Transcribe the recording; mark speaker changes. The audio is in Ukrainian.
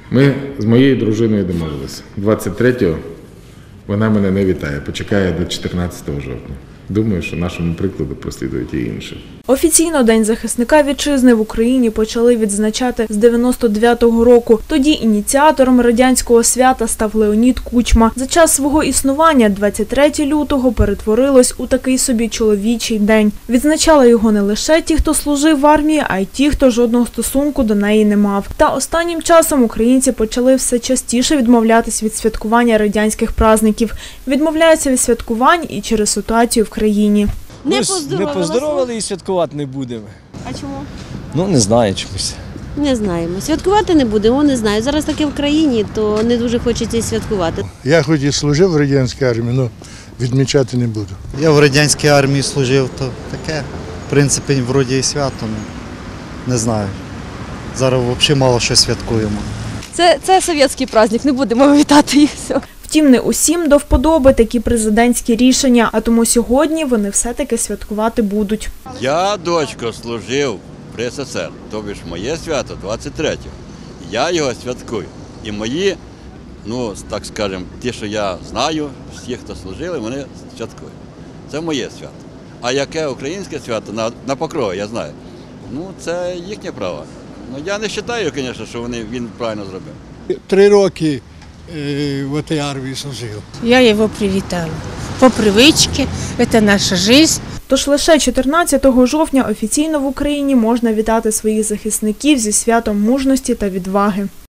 Speaker 1: Ми з моєю дружиною домовилися. 23-го вона мене не вітає, почекає до 14 жовтня. Думаю, що нашому прикладу прослідують і інші.
Speaker 2: Офіційно День захисника вітчизни в Україні почали відзначати з 99-го року. Тоді ініціатором радянського свята став Леонід Кучма. За час свого існування 23 лютого перетворилось у такий собі чоловічий день. Відзначали його не лише ті, хто служив в армії, а й ті, хто жодного стосунку до неї не мав. Та останнім часом українці почали все частіше відмовлятись від святкування радянських праздників. Відмовляються від святкувань і через ситуацію в країні.
Speaker 3: Не поздоровали і святкувати не будемо.
Speaker 2: А чому?
Speaker 3: Ну, не знаю чомусь.
Speaker 4: Не знаємо. Святкувати не будемо, не знаю. Зараз таке в країні, то не дуже хочеться і святкувати.
Speaker 5: Я хоч і служив в радянській армії, але відмічати не буду.
Speaker 6: Я в радянській армії служив, то таке, в принципі, вроді і свято, не знаю. Зараз взагалі мало що святкуємо.
Speaker 7: Це совєтський праздник, не будемо вітати їх все.
Speaker 2: Втім, не усім до вподоби такі президентські рішення, а тому сьогодні вони все-таки святкувати будуть.
Speaker 8: Я, дочко, служив при СССР, тобі ж моє свято 23-го. Я його святкую. І мої, ну, так скажемо, ті, що я знаю, всі, хто служили, вони святкують. Це моє свято. А яке українське свято на Покрові, я знаю. Ну, це їхнє право. Ну, я не вважаю, звісно, що він правильно зробив.
Speaker 5: 3 роки в цій армії служив.
Speaker 9: Я его привітала. По привычке, это наша жизнь.
Speaker 2: Тож лише 14 жовтня офіційно в Україні можна вітати своїх захисників зі святом мужності та відваги.